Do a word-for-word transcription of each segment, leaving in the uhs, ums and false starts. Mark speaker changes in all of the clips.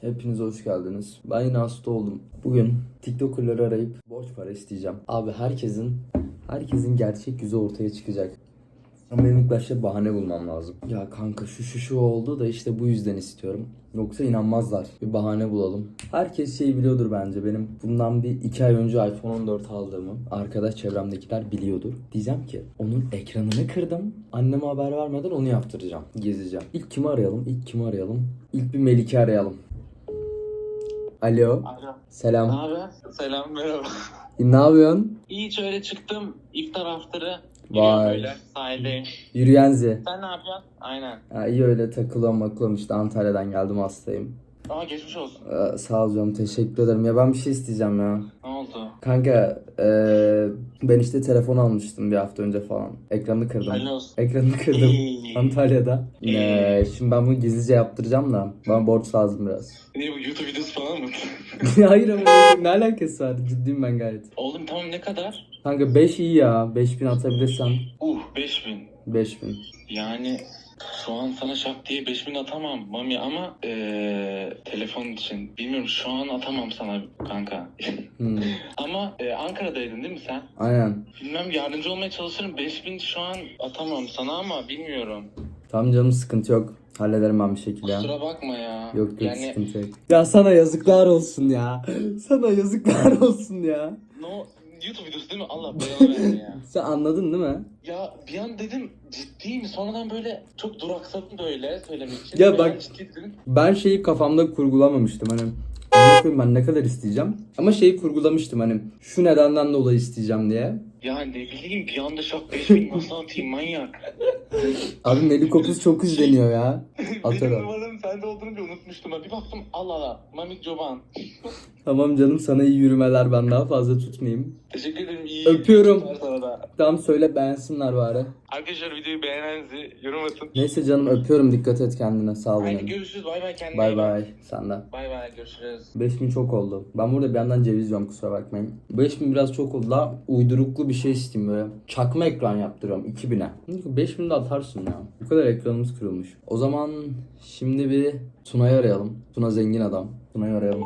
Speaker 1: Hepiniz hoş geldiniz. Ben yine hasta oldum. Bugün TikToker'ları arayıp borç para isteyeceğim. Abi herkesin herkesin gerçek yüzü ortaya çıkacak. Ama benim ilk başta bahane bulmam lazım. Ya kanka şu şu şu oldu da işte bu yüzden istiyorum. Yoksa inanmazlar. Bir bahane bulalım. Herkes şeyi biliyordur bence. Benim bundan bir iki ay önce iPhone on dört aldığımı arkadaş çevremdekiler biliyordur. Diyeceğim ki onun ekranını kırdım. Anneme haber vermeden onu yaptıracağım. Gezeceğim. İlk kimi arayalım? İlk kimi arayalım? İlk bir Melike arayalım. Alo.
Speaker 2: Alo.
Speaker 1: Selam.
Speaker 2: Ne haber? Selam, merhaba.
Speaker 1: Ne yapıyorsun?
Speaker 2: İyi, şöyle çıktım. İftar after'ı.
Speaker 1: Vay.
Speaker 2: Böyle sahildeyim.
Speaker 1: Yürüyenzi.
Speaker 2: Sen ne yapıyorsun? Aynen.
Speaker 1: Ha, iyi öyle takılıyorum makılıyorum işte Antalya'dan geldim hastayım.
Speaker 2: Aa, geçmiş olsun.
Speaker 1: Ee, sağ ol canım teşekkür ederim. Ya ben bir şey isteyeceğim ya.
Speaker 2: Ne oldu?
Speaker 1: Kanka eee, ben işte telefon almıştım bir hafta önce falan. Ekranını kırdım.
Speaker 2: Hayırlı olsun.
Speaker 1: Ekranını kırdım
Speaker 2: Eee.
Speaker 1: Antalya'da.
Speaker 2: Eee.
Speaker 1: Ee, şimdi ben bunu gizlice yaptıracağım da bana borç lazım biraz.
Speaker 2: Ne bu, YouTube videosu falan mı?
Speaker 1: Hayır ama ne alakası var? Ciddiyim ben gayet.
Speaker 2: Oğlum tamam, ne kadar?
Speaker 1: Kanka beş iyi ya. beş bin atabilirsen.
Speaker 2: Uh, beş bin.
Speaker 1: beş bin.
Speaker 2: Yani şu an sana şak diye beş bin atamam Mami, ama eee telefon için bilmiyorum, şu an atamam sana kanka.
Speaker 1: Hmm.
Speaker 2: Ama eee, Ankara'daydın değil mi sen?
Speaker 1: Aynen.
Speaker 2: Bilmem, yardımcı olmaya çalışırım. beş bin şu an atamam sana ama bilmiyorum.
Speaker 1: Tamam canım sıkıntı yok. Hallederim ben bir şekilde ya.
Speaker 2: Kusura bakma ya.
Speaker 1: Yok yok
Speaker 2: Yani
Speaker 1: sıkıntı yok. Ya sana yazıklar olsun ya. Sana yazıklar olsun ya.
Speaker 2: no, YouTube videosu değil mi? Allah belanı versin ya.
Speaker 1: Sen anladın değil mi?
Speaker 2: Ya bir an dedim ciddi mi? Sonradan böyle çok duraksadım böyle söylemek için.
Speaker 1: Ya
Speaker 2: Bir
Speaker 1: bak-
Speaker 2: an ciddi dedim.
Speaker 1: Ben şeyi kafamda kurgulamamıştım hani. Ne koyayım ben ne kadar isteyeceğim? Ama şeyi kurgulamıştım hani şu nedenden dolayı isteyeceğim diye.
Speaker 2: Ya ne bileyim, bir anda şak beş bin nasıl atayım manyak.
Speaker 1: Abi Melikopuz çok izleniyor ya.
Speaker 2: Benim
Speaker 1: Atarım.
Speaker 2: numaram sende olduğunu bir unutmuştum. Ha. Bir baktım, Allah Allah. Mamik Çoban.
Speaker 1: Tamam canım sana iyi yürümeler, ben daha fazla tutmayayım.
Speaker 2: Teşekkür ederim. İyi
Speaker 1: Öpüyorum.
Speaker 2: günler sana da.
Speaker 1: Tamam söyle beğensinler bari.
Speaker 2: Arkadaşlar, videoyu beğenenizi yorum atın.
Speaker 1: Neyse canım öpüyorum, dikkat et kendine, sağ ol
Speaker 2: Haydi
Speaker 1: benim.
Speaker 2: görüşürüz. Bay bay, kendine
Speaker 1: Bay
Speaker 2: iyi bak.
Speaker 1: bay sen de.
Speaker 2: Bay bay, görüşürüz.
Speaker 1: beş bin çok oldu. Ben burada bir yandan ceviz yiyorum kusura bakmayın. beş bin biraz çok oldu. Daha uyduruklu bir şey isteyeyim böyle. Çakma ekran yaptırıyorum iki bine. beş bin de atarsın ya. Bu kadar ekranımız kırılmış. O zaman şimdi bir Tuna'yı arayalım. Tuna zengin adam. Tuna'yı arayalım.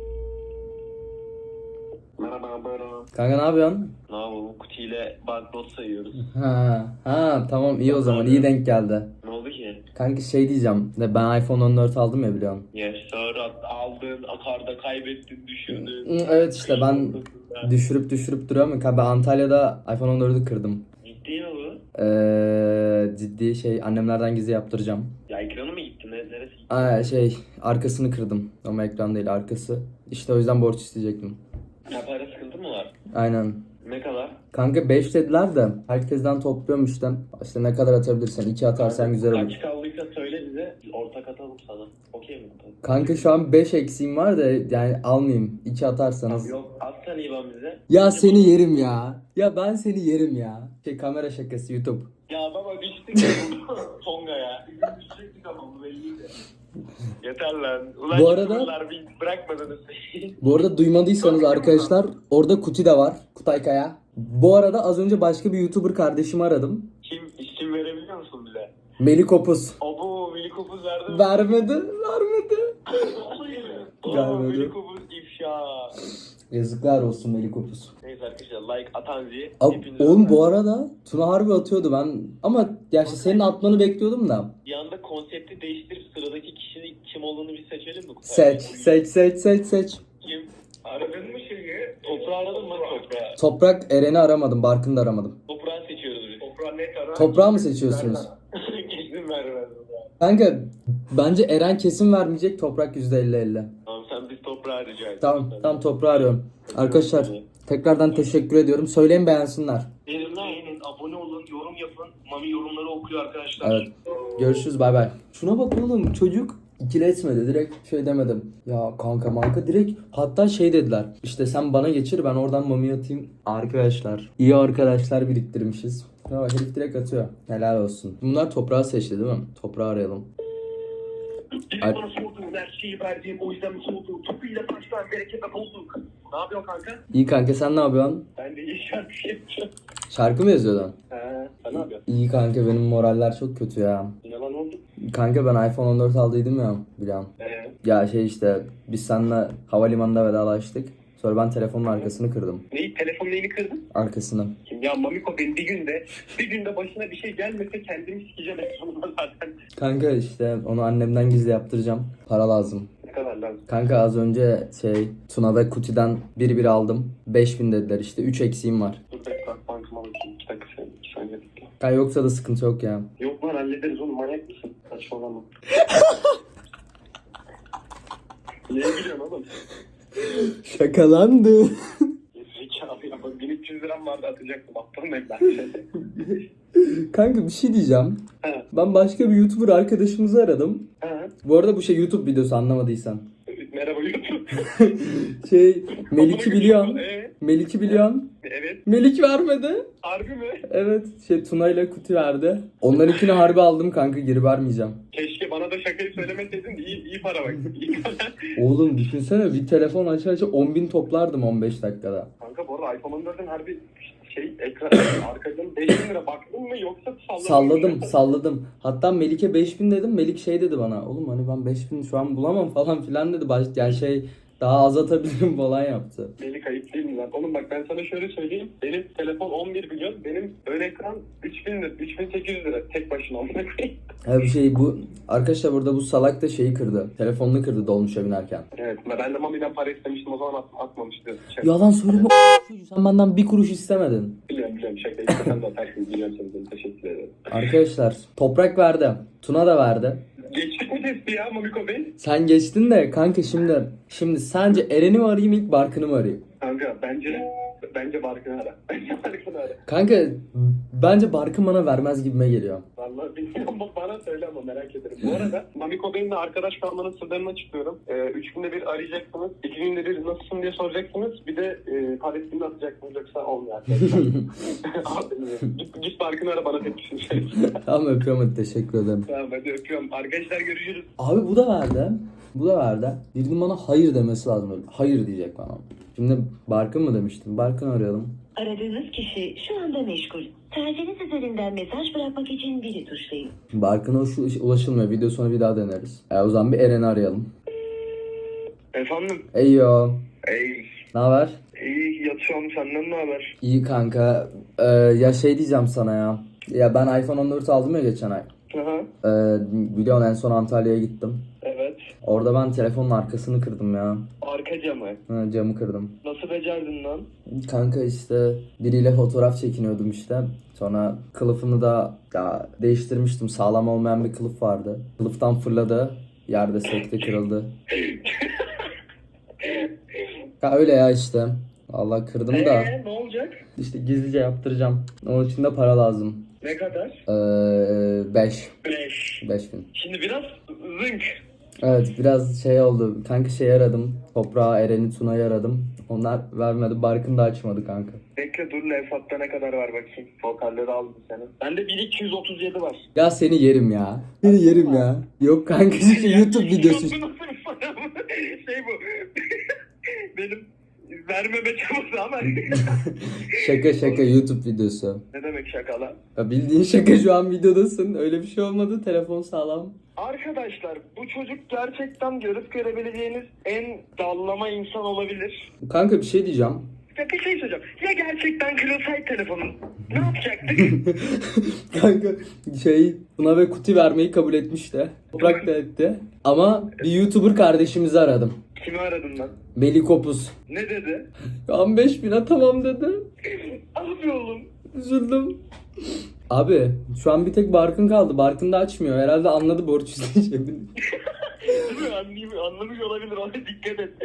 Speaker 3: Merhaba Bero.
Speaker 1: Kanka ne yapıyorsun?
Speaker 3: Ne yapalım? Kutiyle banknot sayıyoruz.
Speaker 1: Ha, ha tamam iyi o zaman iyi denk geldi.
Speaker 3: Ne oldu ki?
Speaker 1: Kanka şey diyeceğim. De ben iPhone on dört aldım ya biliyorsun.
Speaker 3: Yes sir, at- aldın, akarda kaybettin, düşürdün.
Speaker 1: Hı, evet işte ben düşürüp düşürüp duruyorum. Kanka ben Antalya'da iPhone on dördü kırdım.
Speaker 3: Ciddi mi bu?
Speaker 1: Ee, ciddi şey annemlerden gizli yaptıracağım.
Speaker 3: Ya ekranı mı gitti? Ne, neresi gitti?
Speaker 1: Aa, şey arkasını kırdım ama ekran değil arkası. İşte o yüzden borç isteyecektim.
Speaker 3: Ya para sıkıntı mı var?
Speaker 1: Aynen.
Speaker 3: Ne kadar?
Speaker 1: Kanka beş dediler de herkesten topluyorum işte. İşte ne kadar atabilirsen iki atarsan güzel olur.
Speaker 3: Kaç kaldıysa söyle bize. Biz ortak atalım sana. Okey mi?
Speaker 1: Kanka şu an beş eksiğim var da yani almayayım. iki atarsanız.
Speaker 3: Yok, at sen İvan bize.
Speaker 1: Ya seni yerim ya. Ya ben seni yerim ya. Şey kamera şakası YouTube.
Speaker 3: Ya baba düştük ya Tonga ya. Bizim düşecektik ama bu belliydi. Yeter lan. Ulan
Speaker 1: Bu arada-
Speaker 3: YouTuber'lar bir bırakmadınız.
Speaker 1: Bu arada duymadıysanız arkadaşlar orada Kuti de var. Kutay Kaya. Bu arada az önce başka bir YouTuber kardeşimi aradım.
Speaker 3: Kim, isim verebiliyor musun bize?
Speaker 1: Melikopuz.
Speaker 3: Abo, Milikopuz verdi mi?
Speaker 1: Vermedi. Vermedi.
Speaker 3: Aa,
Speaker 1: Vermedi.
Speaker 3: Milikopuz ifşa.
Speaker 1: Yazıklar olsun Melikopuz.
Speaker 3: Neyse arkadaşlar, like atan zi.
Speaker 1: Abi,
Speaker 3: Hepinize
Speaker 1: oğlum bu
Speaker 3: öpüyorum.
Speaker 1: arada Tuna harbi atıyordu ben. Ama ya işte senin atmanı bekliyordum da.
Speaker 3: Bir anda konsepti değiştirip sıradaki kişinin kim olduğunu bir seçelim mi?
Speaker 1: Seç, seç, seç, seç, seç.
Speaker 3: Kim? Aradın mı şeyi? Toprağı aradın mı toprağı?
Speaker 1: Toprak Eren'i aramadım, Barkın'ı da aramadım.
Speaker 3: Toprağı seçiyoruz biz. Toprağı net ara.
Speaker 1: Toprağı mı seçiyorsunuz?
Speaker 3: Kesin vermez.
Speaker 1: Kanka bence Eren kesin vermeyecek, Toprak yüzde elli elli.
Speaker 3: Tamam, sen biz toprağı rica et.
Speaker 1: Tamam, tamam toprağı arıyorum. Arkadaşlar tekrardan teşekkür ediyorum. Söyleyin beğensinler.
Speaker 3: Beğenin, beğenin, abone olun, yorum yapın. Mami yorumları okuyor arkadaşlar.
Speaker 1: Evet. Görüşürüz bay bay. Şuna bak oğlum çocuk ikile etmedi direkt şey demedim. Ya kanka manka direkt hatta şey dediler. İşte sen bana geçir ben oradan mami atayım. Arkadaşlar iyi arkadaşlar biriktirmişiz. Ya bak herif direkt atıyor. Helal olsun. Bunlar toprağı seçti değil mi? Toprağı arayalım.
Speaker 3: Biri
Speaker 1: Ay-
Speaker 3: bana sordu, her şeyi verdiğim o yüzden mi sordu? Topuyla taştan bereket bulduk. Ne yapıyorsun kanka?
Speaker 1: İyi kanka sen ne yapıyorsun?
Speaker 3: Ben de iyi şarkı yapacağım.
Speaker 1: Şarkı mı yazıyordun?
Speaker 3: He, sen ne yapıyorsun?
Speaker 1: İyi kanka benim moraller çok kötü ya.
Speaker 3: Ne lan oldu?
Speaker 1: Kanka ben iPhone on dört aldıydım ya biliyorum.
Speaker 3: Ee,
Speaker 1: Ya şey işte biz seninle havalimanında vedalaştık. Sonra ben telefonun arkasını kırdım.
Speaker 3: neyi? Telefon neyini kırdın?
Speaker 1: Arkasını.
Speaker 3: Ya Mamiko benim bir günde, bir günde başına bir şey gelmese kendimi sikeceğim en sonunda zaten.
Speaker 1: Kanka işte onu annemden gizli yaptıracağım. Para lazım.
Speaker 3: Ne kadar lazım?
Speaker 1: Kanka az önce şey Tuna ve Kuti'den bir bir aldım. beş bin dediler işte. üç eksiğim var.
Speaker 3: Dur bekle bankama bakayım. İki dakika sen, iki saniye bekle.
Speaker 1: Kanka yoksa da sıkıntı yok ya.
Speaker 3: Yok lan hallederiz oğlum, manyak mısın? Saçmalama. Niye gülüyorsun oğlum?
Speaker 1: Şakalandı.
Speaker 3: Zekalı ya, bak bin üç yüz liram vardı atacaktım. Aptal mıyım ben?
Speaker 1: Kanka bir şey diyeceğim.
Speaker 3: He.
Speaker 1: Ben başka bir YouTuber arkadaşımızı aradım.
Speaker 3: He.
Speaker 1: Bu arada bu şey YouTube videosu anlamadıysan.
Speaker 3: Merhaba YouTube.
Speaker 1: Şey Melik'i biliyorsun.
Speaker 3: Ee,
Speaker 1: Melik'i biliyorsun.
Speaker 3: evet.
Speaker 1: Melik vermedi.
Speaker 3: Harbi mi?
Speaker 1: Evet şey Tuna ile Kuti verdi. Onlarınkini harbi aldım kanka geri vermeyeceğim.
Speaker 3: Keşke bana da şakayı söylemeseydin de iyi, iyi para bak. İyi para.
Speaker 1: Oğlum düşünsene bir telefon aç aç on bin toplardım on beş dakikada.
Speaker 3: Kanka bu arada iPhone on dört'ün harbi şey ekran arkadan beş bin lira baktın mı yoksa salladın
Speaker 1: Salladım
Speaker 3: mı?
Speaker 1: salladım. Hatta Melik'e beş bin dedim. Melik şey dedi bana. Oğlum hani ben beş bin şu an bulamam falan filan dedi. Baş, yani şey daha az atabilirim falan yaptı.
Speaker 3: Melik ayıp değil mi lan? Oğlum bak ben sana şöyle söyleyeyim. Benim telefon on bir milyon. Benim ön ekran üç bin lira. üç bin sekiz yüz lira. Tek başına amına koyayım.
Speaker 1: Ha bir şey bu arkadaşlar burada bu salak da şeyi kırdı. Telefonunu kırdı dolmuşa binerken.
Speaker 3: Evet. Ben de Mami'den para istemiştim. O zaman at, atmamıştı. Şey,
Speaker 1: Yalan söyleme. Sen benden bir kuruş istemedin.
Speaker 3: biliyorum biliyorum. Şaka istesen de atarsın. Biliyorum seni. Teşekkür ederim.
Speaker 1: Arkadaşlar toprak verdi. Tuna da verdi.
Speaker 3: Geçtik mi testi ya Mamiko Bey?
Speaker 1: Sen geçtin de kanka şimdi şimdi sence Eren'i mi arayayım ilk Barkın'ı mı arayayım?
Speaker 3: Kanka bence bence Barkın'ı ara. Bence Barkın'ı ara.
Speaker 1: Kanka bence Barkın bana vermez gibime geliyor.
Speaker 3: Vallahi bilmiyorum, bana söyle ama merak ederim. Bu arada Mamiko Bey'imle arkadaş kalmanın sırlarını açıklıyorum. Ee, üç günde bir arayacaksınız. iki günde bir nasılsın diye soracaksınız. Bir de e, Palestin'de atacaksınız yoksa olmuyor arkadaşlar. Abi, git, git Barkın'ı ara bana tepkisini söyle.
Speaker 1: Tamam öpüyorum hadi teşekkür ederim.
Speaker 3: Tamam hadi öpüyorum. Arkadaşlar görüşürüz.
Speaker 1: Abi bu da verdi. Bu da verdi. Birinin bana hayır demesi lazım öyle. Hayır diyecek bana. Şimdi Barkın mı demiştim? Barkın arayalım.
Speaker 4: Aradığınız kişi şu anda meşgul. Tercihiniz üzerinden mesaj bırakmak için biri tuşlayın.
Speaker 1: Barkın'a uş- ulaşılmıyor. Video sonra bir daha deneriz. E, o zaman bir Eren'i arayalım.
Speaker 3: Efendim?
Speaker 1: Eyyo.
Speaker 3: Ey.
Speaker 1: Ne haber?
Speaker 3: İyi yatıyorum, senden ne haber?
Speaker 1: İyi kanka. Ee, ya şey diyeceğim sana ya. Ya ben iPhone on dört aldım ya geçen ay.
Speaker 3: Aha.
Speaker 1: Ee, biliyorsun en son Antalya'ya gittim.
Speaker 3: Evet.
Speaker 1: Orada ben telefonun arkasını kırdım ya.
Speaker 3: Arka camı.
Speaker 1: Ha, camı kırdım.
Speaker 3: Nasıl becerdin lan?
Speaker 1: Kanka işte biriyle fotoğraf çekiniyordum işte. Sonra kılıfını da ya değiştirmiştim. Sağlam olmayan bir kılıf vardı. Kılıftan fırladı. Yerde sekte kırıldı. Ya öyle ya işte. Allah kırdım da.
Speaker 3: Eee ne olacak?
Speaker 1: İşte gizlice yaptıracağım. Onun için de para lazım.
Speaker 3: Ne kadar?
Speaker 1: Ee, beş.
Speaker 3: Beş.
Speaker 1: beş bin.
Speaker 3: Şimdi biraz zınk.
Speaker 1: Evet biraz şey oldu. Kanka şey aradım. Toprağı, Eren'i, Tuna'yı aradım. Onlar vermedi. Barkın da açmadı kanka.
Speaker 3: Bekle dur, Levfat'ta ne kadar var bakayım. Vokalleri aldım senin. Bende bin iki yüz otuz yedi var.
Speaker 1: Ya seni yerim ya. Seni yerim ya. Yok kanka işte YouTube videosu.
Speaker 3: Bu nasıl bir para bu? Şey bu. Benim vermeme çabası ama.
Speaker 1: Şaka şaka YouTube videosu.
Speaker 3: Ne demek şaka lan?
Speaker 1: Ya bildiğin şaka şu an videodasın. Öyle bir şey olmadı. Telefon sağlam.
Speaker 3: Arkadaşlar bu çocuk gerçekten görüp görebileceğiniz en dallama insan olabilir.
Speaker 1: Kanka bir şey diyeceğim.
Speaker 3: Ya bir şey söyleyeceğim. Ya gerçekten kırılsaydı telefonun ne yapacaktık?
Speaker 1: Kanka şey buna ve kuti vermeyi kabul etmişti. Toprak da etti. Ama bir YouTuber kardeşimizi aradım.
Speaker 3: Kimi aradın lan?
Speaker 1: Melih Kopuz.
Speaker 3: Ne dedi?
Speaker 1: on beş bine tamam dedi.
Speaker 3: Abi oğlum.
Speaker 1: Üzüldüm. Abi şu an bir tek Barkın kaldı. Barkın da açmıyor. Herhalde anladı borç isteyeceğimi.
Speaker 3: Değil mi? Anlayayım, anlamış olabilir. Ona dikkat et.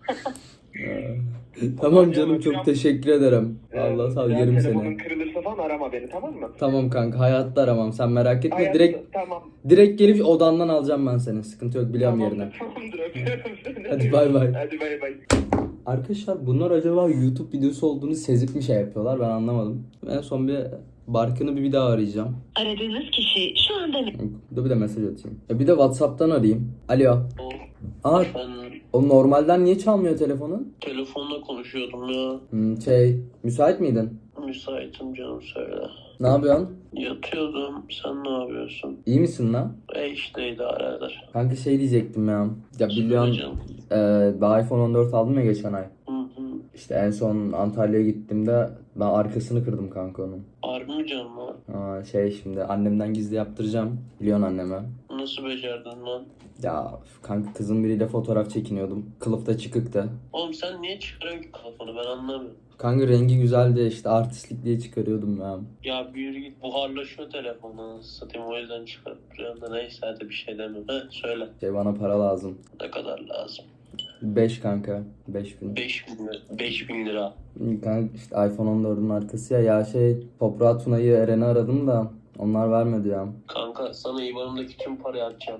Speaker 1: Tamam canım çok teşekkür ederim. Allah sağ ol
Speaker 3: Eğer
Speaker 1: yerim
Speaker 3: telefonun
Speaker 1: seni.
Speaker 3: kırılırsa falan arama beni, tamam mı?
Speaker 1: Tamam kanka hayatta aramam sen merak etme.
Speaker 3: Hayatta-
Speaker 1: Direkt
Speaker 3: Tamam.
Speaker 1: direkt gelip odandan alacağım ben seni. Sıkıntı yok biliyorum
Speaker 3: Tamamdır,
Speaker 1: yerini.
Speaker 3: tamamdır. Öpüyorum seni.
Speaker 1: Hadi bay bay.
Speaker 3: Hadi bay bay.
Speaker 1: Arkadaşlar bunlar acaba YouTube videosu olduğunu sezip mi şey yapıyorlar ben anlamadım. En son bir Barkın'ı bir, bir daha arayacağım.
Speaker 4: Aradığınız kişi şu anda
Speaker 1: Bir de bir de mesaj atayım. Ya bir de WhatsApp'tan arayayım. Alo. Aa
Speaker 5: Ben
Speaker 1: o normalden niye çalmıyor telefonun?
Speaker 5: telefonla konuşuyordum ya.
Speaker 1: Hmm, şey müsait miydin?
Speaker 5: Müsaitim canım, söyle.
Speaker 1: Ne yapıyorsun?
Speaker 5: Yatıyordum. Sen ne yapıyorsun?
Speaker 1: İyi misin lan?
Speaker 5: E işte idare eder.
Speaker 1: Kanka şey diyecektim ya. Ya biliyorsun
Speaker 5: Canım.
Speaker 1: e, ben iPhone on dört aldım ya geçen ay.
Speaker 5: Hı hı.
Speaker 1: İşte en son Antalya'ya gittiğimde ben arkasını kırdım kanka onun.
Speaker 5: Harbi mi canım lan?
Speaker 1: Aa, şey şimdi annemden gizli yaptıracağım. Biliyorsun anneme.
Speaker 5: Nasıl becerdin lan?
Speaker 1: Ya kanka kızın biriyle fotoğraf çekiniyordum. Kılıfta çıkıktı.
Speaker 5: Oğlum sen niye çıkarıyorsun ki kafanı, ben anlamıyorum.
Speaker 1: Kanka rengi güzeldi işte artistlik diye çıkarıyordum ya.
Speaker 5: Ya bir yürü git, buharlaşıyor telefonla satayım, o yüzden çıkarıp duruyorum da neyse, hadi bir şey demiyorum. Heh, söyle.
Speaker 1: Şey bana para lazım.
Speaker 5: Ne kadar lazım?
Speaker 1: beş kanka. beş bin.
Speaker 5: beş bin lira. beş bin lira.
Speaker 1: Kanka işte iPhone on dördün arkası ya. Ya şey Toprağı Tuna'yı Eren'i aradım da onlar vermedi ya.
Speaker 5: Kanka sana İBAN'ımdaki tüm parayı atacağım.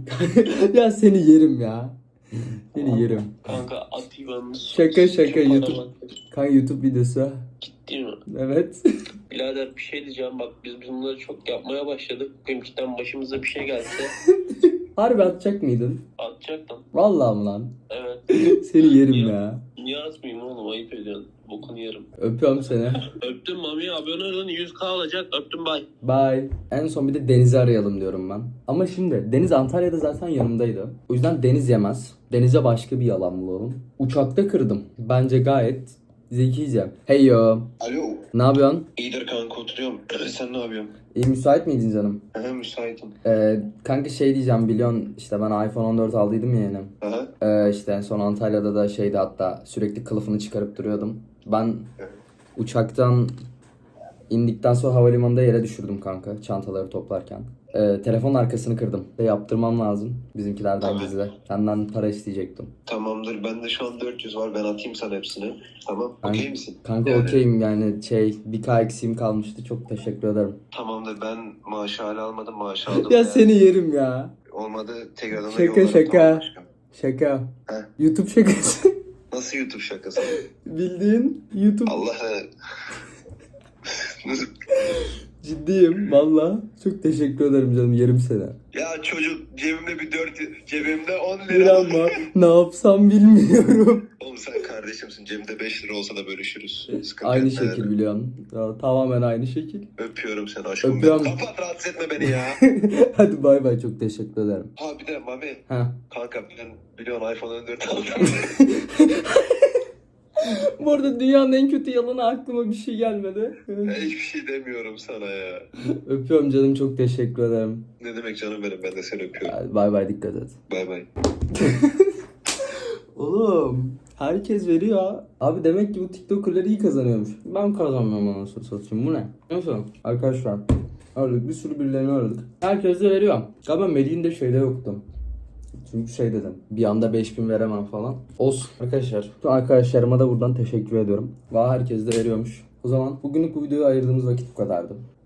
Speaker 1: Ya seni yerim ya. Seni yerim.
Speaker 5: Kanka at İBAN'ını.
Speaker 1: Şaka şaka
Speaker 5: Tüm
Speaker 1: YouTube.
Speaker 5: paramı-
Speaker 1: Kanka YouTube videosu.
Speaker 5: Ciddi mi?
Speaker 1: Evet.
Speaker 5: Birader bir şey diyeceğim, bak biz bunları çok yapmaya başladık. Benimkiden başımıza bir şey gelse
Speaker 1: Harbi atacak mıydın?
Speaker 5: atacaktım.
Speaker 1: Vallahi mı lan?
Speaker 5: Evet.
Speaker 1: Seni yerim
Speaker 5: Niye?
Speaker 1: ya.
Speaker 5: Niye atmayayım oğlum, ayıp ediyorsun. Bokunu yerim.
Speaker 1: Öpüyorum seni.
Speaker 5: Öptüm Mami, abone olun, yüz k alacak, öptüm, bay.
Speaker 1: Bye. En son bir de Deniz'i arayalım diyorum ben. Ama şimdi Deniz Antalya'da zaten yanımdaydı. O yüzden Deniz yemez. Deniz'e başka bir yalan bulalım. Uçakta kırdım. Bence gayet zekice. Hey yo.
Speaker 3: Alo.
Speaker 1: Ne yapıyorsun?
Speaker 3: İyidir kanka, oturuyorum. Sen ne yapıyorsun?
Speaker 1: İyi müsait miydin canım?
Speaker 3: He, müsaitim.
Speaker 1: Ee, kanka şey diyeceğim biliyorsun işte ben iPhone on dört aldıydım ya yeni.
Speaker 3: Aha.
Speaker 1: Ee, işte en son Antalya'da da şeydi hatta sürekli kılıfını çıkarıp duruyordum. Ben uçaktan indikten sonra havalimanında yere düşürdüm kanka çantaları toplarken. Ee, telefonun arkasını kırdım. Ve yaptırmam lazım bizimkilerden
Speaker 3: Tamam.
Speaker 1: gizli. Senden para isteyecektim.
Speaker 3: Tamamdır. Bende şu an dört yüz var. Ben atayım sana hepsini. Tamam.
Speaker 1: Ben-
Speaker 3: Okey misin?
Speaker 1: Kanka
Speaker 3: Yani-
Speaker 1: okeyim yani şey bir K eksiğim kalmıştı çok teşekkür ederim.
Speaker 3: Tamamdır. Ben maaşı hala almadım. Maaşı aldım.
Speaker 1: Ya
Speaker 3: Yani
Speaker 1: seni yerim ya.
Speaker 3: Olmadı. Tekrardan da
Speaker 1: Şaka,
Speaker 3: yollarım,
Speaker 1: şaka.
Speaker 3: tamam aşkım.
Speaker 1: Şaka.
Speaker 3: He.
Speaker 1: YouTube şakası.
Speaker 3: Nasıl YouTube şakası?
Speaker 1: Bildiğin YouTube.
Speaker 3: Allah Nasıl?
Speaker 1: Ciddiyim valla. Çok teşekkür ederim canım yerim seni.
Speaker 3: Ya çocuk cebimde bir dört, cebimde on
Speaker 1: Bir
Speaker 3: lira.
Speaker 1: ama ne yapsam bilmiyorum.
Speaker 3: Oğlum sen kardeşimsin. Cebimde beş lira olsa da bölüşürüz. Sıkıntı
Speaker 1: Aynı
Speaker 3: yok
Speaker 1: şekil
Speaker 3: yani.
Speaker 1: biliyorsun. Ya, tamamen aynı şekil.
Speaker 3: Öpüyorum seni aşkım.
Speaker 1: Öpüyorum.
Speaker 3: benim. Kapat, rahatsız etme beni ya.
Speaker 1: Hadi bay bay çok teşekkür ederim.
Speaker 3: Ha bir de Mami.
Speaker 1: Ha.
Speaker 3: Kanka ben biliyorsun iPhone on dört aldım.
Speaker 1: Bu arada dünyanın en kötü yalanı aklıma bir şey gelmedi.
Speaker 3: Ben hiçbir şey demiyorum sana ya.
Speaker 1: Öpüyorum canım çok teşekkür ederim.
Speaker 3: Ne demek canım benim, ben de seni öpüyorum.
Speaker 1: Hadi bay bay dikkat et.
Speaker 3: Bay bay.
Speaker 1: Oğlum herkes veriyor. Abi demek ki bu TikToker'lar iyi kazanıyormuş. Ben kazanmıyorum anasını satayım. Bu ne? Neyse arkadaşlar. Aradık bir sürü birilerini aradık. Herkes de veriyor. Galiba Melih'in de şeyde yoktu. Çünkü şey dedim. Bir anda beş bin veremem falan. Olsun. Arkadaşlar. Şu arkadaşlarıma da buradan teşekkür ediyorum. Valla herkes de veriyormuş. O zaman bugünlük bu videoya ayırdığımız vakit bu kadardı.